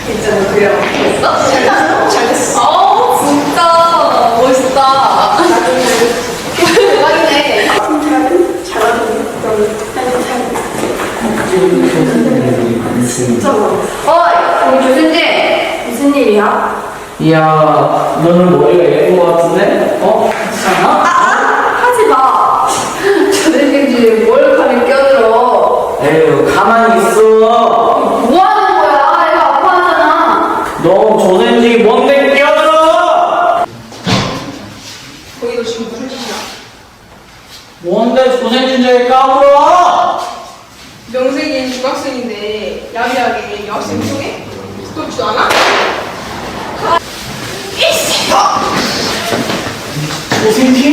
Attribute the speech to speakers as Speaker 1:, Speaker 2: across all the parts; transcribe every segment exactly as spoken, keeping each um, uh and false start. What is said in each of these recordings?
Speaker 1: 괜찮아, 그래요. 됐어?
Speaker 2: 잘했어. 잘했어.
Speaker 1: 어, 진짜 멋있다. 대박이네.
Speaker 2: 잘하는 잘하는 그런 사진 잘. 진짜 많아.
Speaker 1: 어이, 우리 교수님.
Speaker 2: 무슨 일이야?
Speaker 3: 이야, 너는 머리가 예쁜 것 같은데? 어? 괜찮아?
Speaker 2: 하지 마.
Speaker 1: 교수님 주에 뭘 가면 껴들어.
Speaker 3: 에휴, 가만히 있어.
Speaker 1: 뭐 하는 거야? 애가 아파하잖아.
Speaker 3: 너 조센지 뭔데 끼어들어?
Speaker 2: 거기 너 지금 무슨 짓이야?
Speaker 3: 뭔데 조센지인지 까불어?
Speaker 2: 명색이 중학생인데 야비하게 여학생 속에 부끄럽지도 않아?
Speaker 3: 조센지?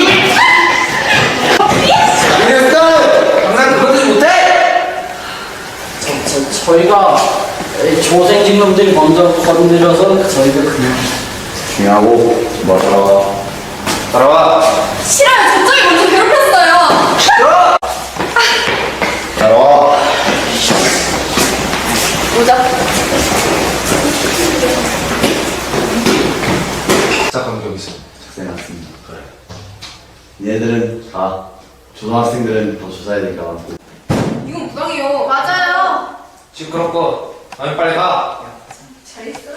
Speaker 4: 이랬어! 항상 그러지 못해!
Speaker 3: 저, 저, 저희가 조생진 놈들이 먼저 건드려서 저희가 그냥
Speaker 4: 중요하고 뭐 따라와 따라와
Speaker 1: 싫어요. 저쪽이 먼저 괴롭혔어요.
Speaker 4: 따라와
Speaker 1: 보자.
Speaker 4: 시작한 적 있어 작성해 놨습니다 그래 얘들은 다 초등학생들은 더 조사해야 될 것 같고
Speaker 2: 이건 부당해요.
Speaker 1: 맞아요.
Speaker 4: 시끄럽고 너희 빨리 가
Speaker 2: 잘 있어라.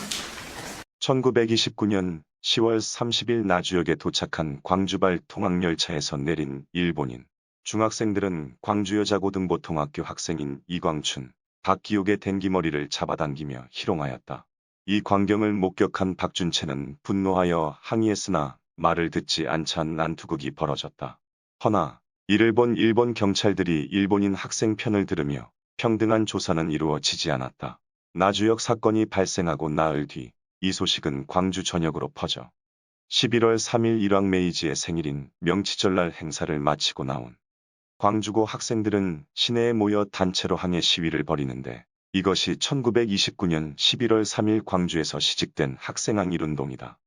Speaker 5: 천구백이십구 년 시월 삼십일 나주역에 도착한 광주발 통학열차에서 내린 일본인. 중학생들은 광주여자고등보통학교 학생인 이광춘, 박기옥의 댕기머리를 잡아당기며 희롱하였다. 이 광경을 목격한 박준채는 분노하여 항의했으나 말을 듣지 않자 난투극이 벌어졌다. 허나 이를 본 일본 경찰들이 일본인 학생 편을 들으며 평등한 조사는 이루어지지 않았다. 나주역 사건이 발생하고 나흘 뒤 이 소식은 광주 전역으로 퍼져 십일월 삼일 일왕메이지의 생일인 명치절날 행사를 마치고 나온 광주고 학생들은 시내에 모여 단체로 항해 시위를 벌이는데 이것이 천구백이십구 년 십일월 삼일 광주에서 시직된 학생항일운동이다.